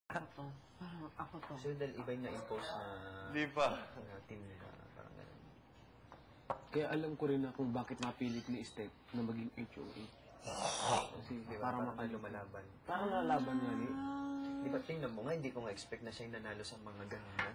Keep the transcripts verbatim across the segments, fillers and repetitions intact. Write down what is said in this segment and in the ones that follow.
Ako, parang ako to. So, dahil iba yung na-impose na... Di pa. Na team nila, parang gano'n. Kaya alam ko rin na kung bakit napilit ni Steph na maging H O A. Kasi Diba? parang Parang makaluman. lumalaban. Parang nalaban nga ni. Di ba, tingnan mo nga, hindi ko nga expect na siya yung nanalo sa mga ganunan.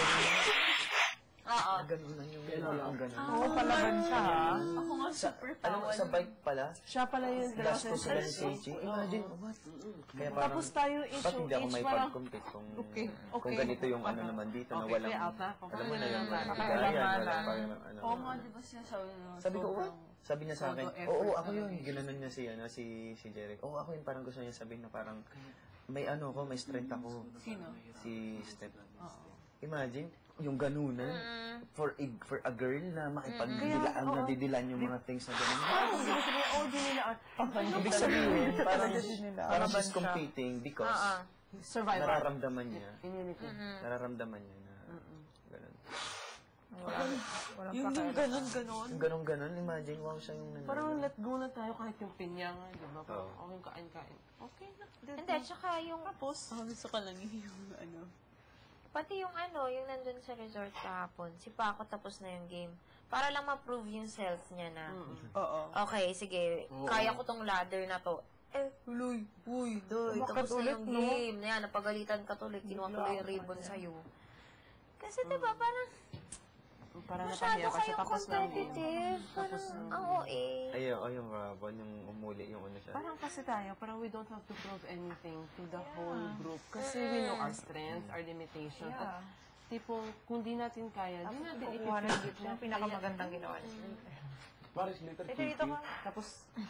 Oo. Ganunan yung ang ganunan. Oo, palaban siya, ha? Ako nga Sa, super alam mo, sa bike pala, Siya pala yung gasto sila ni Seichi. Imagine, what? Kaya parang, Tapos tayo H ba't O hindi ako H may parang... pag-compete kung, Okay, kung okay. ganito yung ano naman dito na Okay, walang, play out na. alam mo na yung Okay, walang okay. bigayan, walang parang ano. Oo nga, di ba siya sabi mo? Sabi ko, what? Sabi niya sa akin, Todo oo, effort oo, ako talaga. yun. Ginanon niya si, ano, si, si Jeric. Oo, ako yun. Parang gusto niya sabihin na parang, may ano ko, may strength ako. Sino? Si Steph. Oo. Imagine, yung ganunan, for a, for a girl na makipagdilaan, oo. nadidilan yung mga things na ganun. Ibig sabihin, oh, di nila art. Ibig sabihin, parang, parang she's competing because Oo. Survivor. nararamdaman niya, Immunity. nararamdaman niya na ganun. Yung yung ganon-ganon. Yung ganun-ganun, imagine, wow, siya yung nanalo. Parang let go na tayo kahit yung pinya nga, di ba? Parang Oo. okay, kain-kain. Okay na. Hindi, tsaka yung... Tapos, Oh, gusto ka lang yung ano. Pati yung ano, yung nandun sa resort kahapon, si Paco tapos na yung game. Para lang ma-prove yung self niya na, oo. okay, sige, kaya ko tong ladder na to. Eh, huloy, uy, doy, tapos na yung game. Yan, napagalitan ka tuloy, kinuha ko lang yung ribbon sa'yo. Kasi diba, parang, Parang masyado napahiya kasi kayong tapos ng game. competitive. Parang, ang O A. Ayun, ayun, Rabon, yung umuli, yung ano siya. Parang kasi tayo, parang we don't have to prove anything to the whole group. Kasi we know our strengths, our limitations. At tipong, kung di natin kaya, di natin ipipigit na. Yung pinakamagandang ginawa niya. Paris later Ito dito ka. Tapos,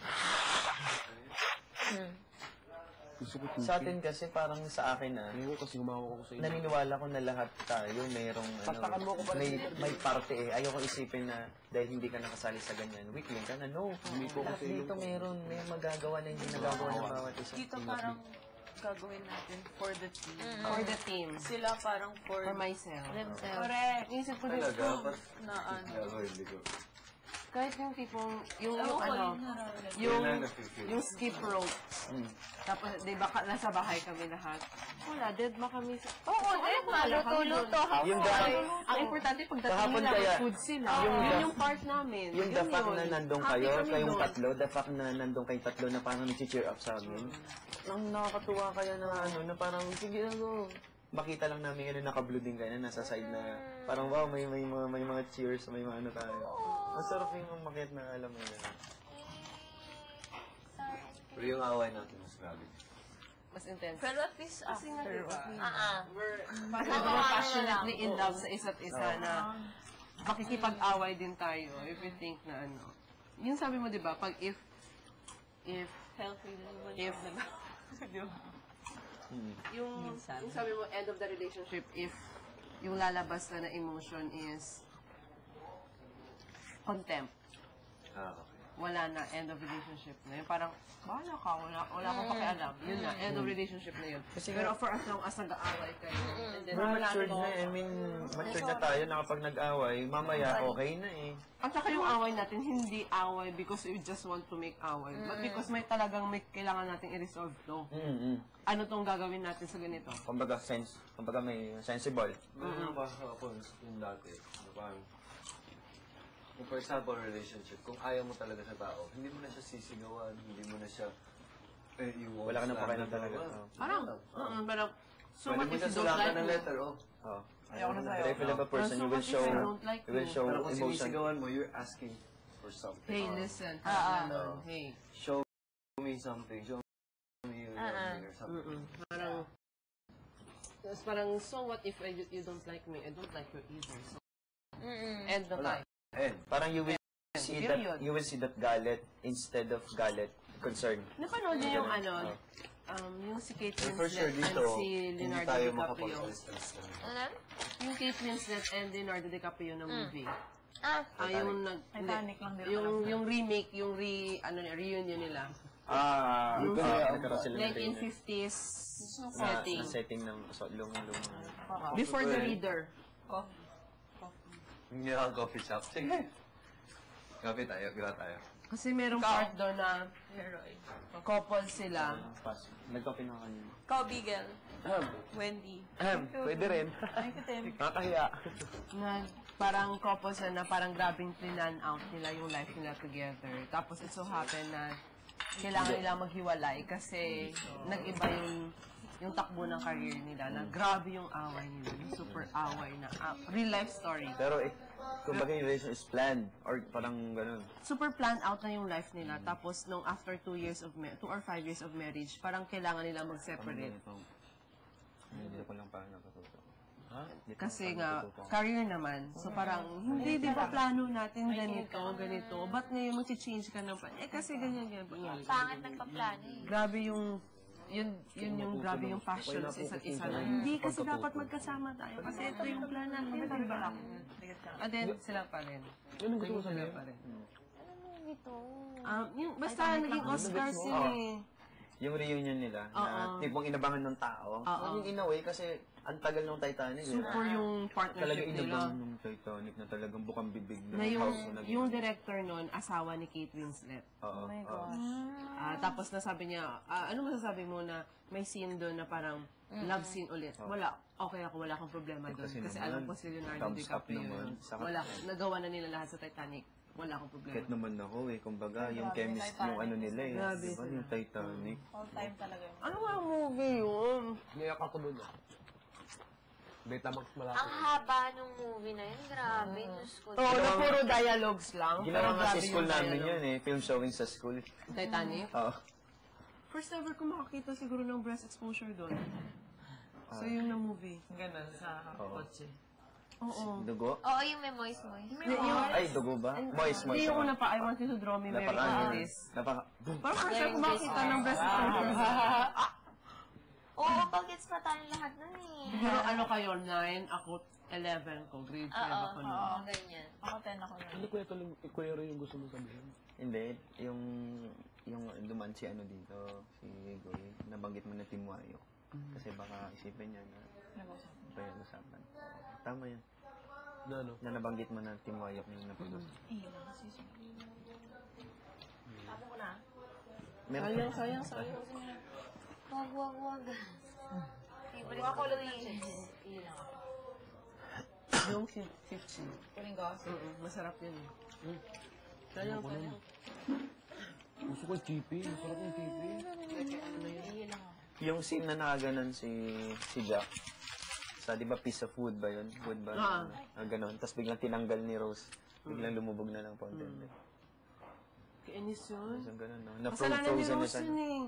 gusto ko Sa atin kasi, parang sa akin na, Ngayon kasi gumawa ko sa inyo. naniniwala ko na lahat tayo mayroong Taktakan mo ano, ako pa rin. may, may parte eh. Ayoko isipin na dahil hindi ka nakasali sa ganyan, weakling ka na. No, Hindi ko lahat kasi dito mayroon, may magagawa na hindi nagagawa ng bawat isa. Dito parang gagawin natin for the team. for the team. Sila parang for For myself. themselves. Correct. Isip ko din, Na ano. kahit yung tipong, yung, Ewan yung ko, ano, yung nararamdaman. yung, yung skip rope. Mm. Tapos, di ba, ka- nasa bahay kami lahat. Wala, dead ma kami sa... Oo, dead ma. Luto-luto. Yung Hapon. dapat- Ang importante, pagdating Kahapon nila, kaya, may food sila. yung Yun the- yung part namin. Yung Yun the fact yun. na nandun Happy kayo, kami kayong doon. tatlo, the fact na nandun kayong tatlo na parang nag-cheer up sa amin. Ang nakakatuwa kaya na ano, na parang, sige na go. Makita lang namin ano, naka-blue din kayo na nasa side na, parang wow, may, may, mga, may mga cheers, may mga ano tayo. Masarap yung makit na alam mo yun. Pero yung away natin mas grabe. Mas intense. Pero at least after, diba? ah, ah. Parang we're passionately in love sa isa't isa na makikipag-away din tayo if we think na ano. Yung sabi mo, di ba, pag if, if, Healthy na naman. if, di ba? Yung, yung sabi mo, end of the relationship, if yung lalabas na na emotion is contempt. Ah, okay. Wala na, end of relationship na yun. Parang, bahala ka, wala, wala akong pakialam. Yun na, end of relationship na yun. Pero for as long as nag-aaway kayo, and then, We're wala matured na- na eh. I mean, matured na tayo na kapag nag-away, mamaya okay na eh. At saka yung away natin, hindi away because we just want to make away. But because may talagang may kailangan nating i-resolve to. Mm-hmm. Ano tong gagawin natin sa ganito? Kumbaga, sense, kumbaga may sensible. Meron pa ako yung dati. na parang, kung for example, relationship, kung ayaw mo talaga sa tao, hindi mo na siya sisigawan, hindi mo na siya, eh, yung Wala ka nang pakialam slander, talaga. wala. Oh. Parang, uh parang, so Pwede what mo if na you don't sulatan like ng me? letter, oh. Oh. Ayoko na sa'yo. Pero if you love a person, So you what will if show, I don't like you will you? show Pero kung emotion. sinisigawan mo, you're asking for something. Hey, Oh. listen. Ah, ah. ano, hey. Show me something, show me you love Ah, ah. me or something. Mm-mm. Parang, tapos parang, so what if I, you don't like me? I don't like you either. So, Mm-mm. end the Wala. time. And, Parang you will see that, Period. you will see that galit instead of galit, concern. Napanood niyo yung ano, um, yung si Kate and for sure Winslet dito, and si hindi Leonardo tayo DiCaprio. makapag-distance na. Ano? Yung Kate Winslet and Leonardo DiCaprio na movie. Ah, Ah, yung nag... Titanic lang din Yung, yung remake, yung re, ano niya, reunion nila. Ah, Yung uh, nagkaroon sila ng nineteen reunion. fifties Na, setting. na setting ng so, lumang-lumang. Before the reader. Hindi ako coffee shop. Sige. Coffee tayo, gira tayo. Kasi merong part doon na Leroy. couple sila. Pass. Nagkape na kanina. Ikaw, Bigel. Wendy. Ahem, pwede rin. Thank you, Tim. Nakakahiya. Na parang couple sila na parang grabing plinan out nila yung life nila together. Tapos it so happen na kailangan nila maghiwalay kasi nag-iba yung yung takbo ng career nila na grabe yung away nila. Yung super away na ah, real life story. Pero eh, kumbaga yung relation is planned or parang ganun. Super planned out na yung life nila. Tapos nung after two years of ma- two or five years of marriage, parang kailangan nila mag-separate. Hindi ko lang parang natututo. Kasi nga, career naman. So parang, hindi, di ba plano natin ganito, ganito. Ba't ngayon mag-change ka ng plan? Eh kasi ganyan, ganyan. Pangit nagpa-plano eh. Grabe yung, yun, yun yung grabe yung passion sa isa't isa na. Hindi kasi dapat magkasama tayo. Kasi ito yung plan natin, di ba? And then, sila pa rin. Yun ang gusto ko sabihin. Pa rin. Ano movie to? Um, yung, basta naging Oscars yun eh. Yung reunion nila, na Oo. tipong inabangan ng tao. Oo. Yung in a way, kasi ang tagal ng Titanic. eh. Super yung Talaga partnership nila. inabangan ng Titanic na talagang bukang bibig ng Na yung, house na naging. yung director nun, asawa ni Kate Winslet. Oo. oo. Ah, tapos nasabi niya, ah, ano masasabi mo na may scene doon na parang love scene ulit? Wala. Okay ako, wala akong problema doon. Kasi Kasi, naman, alam ko si Leonardo thumbs up DiCaprio naman. yun. Saka- Wala. Nagawa na nila lahat sa Titanic. Wala akong problema. Kahit naman ako eh, kumbaga, yung chemist, yung ano nila eh. Grabe Diba, yung Titanic. All time talaga yun. Ano nga movie yun? Niyak ako doon. ah. Betamax malaki. Ang haba nung movie na yun. Grabe. Diyos ko. Oo, na puro dialogues lang. Ginawa Pero nga sa grabe school yung namin dialogue. yun eh, film showing sa school. Titanic? Oo. First ever ko makakita siguro ng breast exposure doon. So yung na movie. Ganun sa Oo. kotse. Oo. Dugo? Oo, yung may moist moist. Ay, dugo ba? Moist, moist. Hindi yung ako. una pa, I want you to draw me Mary Napaka, Alice. napaka, Parang first time ko makakita ng breast exposure. Oo, bagets pa tayong lahat nun eh. Pero ano kayo, nine, ako eleven ko, grade five Oo, ako nun. oo, ganyan. Ako ten ako na. Ano kuya tuloy, kuya rin yung gusto mo sabihin? hindi, yung, yung duman si ano dito, si Goy, nabanggit mo na Timuayo. Kasi baka isipin niya na, Nag-usap. ba yung usapan. Tama yan. Na ano? Na nabanggit mo na Timuayo yung napag-usap. Eh, nakasisi. Tama ko na. Meron Sayang, sayang, sayang. Wag, wag, wag. Favorite Ako ko lang to ng eh. chips. Iyon lang. Yung fifty. Kuling ko. Mm masarap yun eh. Sayang, sayang. Gusto ko yung chippy. Masarap yung chippy. Iyon lang ako. yung scene na nakaganon si si Jack. Sa, di ba, piece of wood ba yun? Wood ba? Ah. Ah, ganon. Tapos biglang tinanggal ni Rose. Biglang lumubog na lang po. Mm. Kainis yun. So, ganon, no? Na Kasalanan ni frozen na Rose siya. yun eh.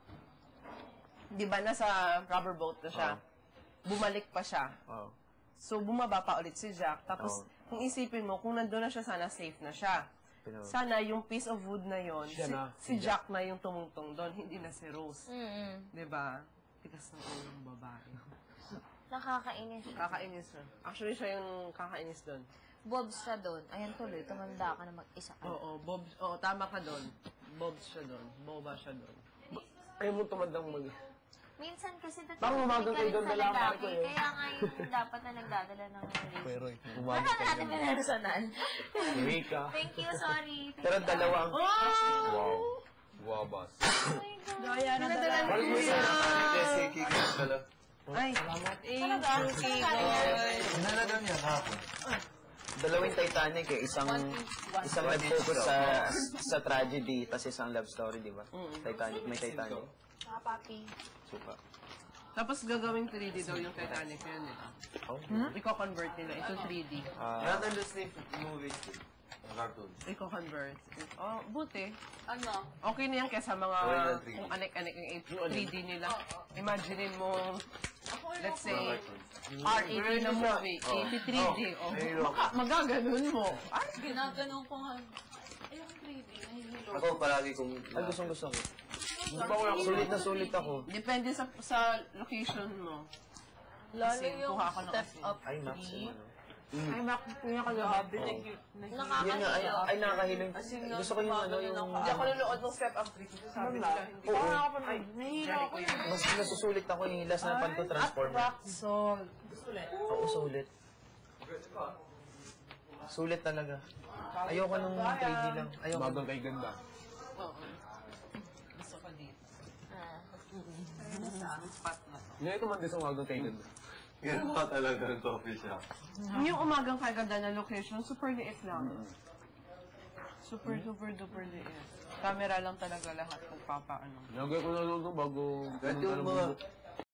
Di ba nasa rubber boat na siya? Bumalik pa siya. Wow. So, bumaba pa ulit si Jack. Tapos, Oo. kung isipin mo, kung nandun na siya, sana safe na siya. Pero, Sana yung piece of wood na yon, Siya si, na, si Jack na yung tumungtong doon, hindi na si Rose. Mm-mm. Di ba? Tikas ng ulo ng babae. Nakakainis. Kakainis siya. Actually, siya yung kakainis doon. Bobs siya doon. Ayan tuloy, tumanda ka na mag-isa ka. Oo, Bob, oo, tama ka doon. Bob siya doon. Boba siya doon. Ayaw mo tumandang mag... Minsan kasi dati Parang umagang ka rin kayo doon sa na lang lalaki, ako eh. kaya nga yung dapat na nagdadala ng relationship. Pero, Wala umaga na natin personal. Si Rika. Thank you, sorry. Thank pero you. dalawa ang... Wow. Wow, boss. Gaya na dala ni Balik mo Kuya. sa Jesse, kikis dala. Ay, thank you, Kikoy. Nalagang yan hapon. Dalawang Titanic eh. Isang, isang nag-focus sa, sa tragedy, tapos isang love story, di ba? Titanic, may Titanic. Mga papi. Super. Tapos gagawing three D daw yung Titanic yun eh. Oh. Iko-convert nila. Ito three D. Ah, Not in the same movies, cartoons. Iko-convert. Oh, buti. Ano? Okay na yan kaysa mga Okay na three D. kung anek-anek yung three D nila. Imaginein mo, let's say, R eighty na movie, eighty-three D. Oh, baka magaganon mo. Ay, Ginaganon ko nga. Ayun, three D. Nahihilo. Ako palagi kong... ay, gustong gusto ko. Sulit na sulit ako. depende sa sa location mo. Lalo Kasi yung kuha ako ng step asin. up Ay, Max, three. ano. Ay, mak, kuya ka Grabe, lang. thank you. Yun nga, ay, ay nakakahilong. Gusto ko yung ano, yung... Hindi ako nanonood ng step up three. Kasi sabi nila, hindi Oo. ako pa nahihilo ako yun. Mas nasusulit ako yung last na pan to transformer. Rock salt. Oo, sulit. Sulit talaga. Ayoko nung three D lang. Ayoko. Umagang kay ganda. Oo. Gusto ko dito. Ah. Sa spot na to. Hindi ito man din sa umagang kay ganda. Ganun pa talaga ng coffee shop. Yung umagang kaganda na location, super liit lang. Super duper duper liit. Camera lang talaga lahat magpapaano. Lagay ko na lang ito bago... Kahit yung mga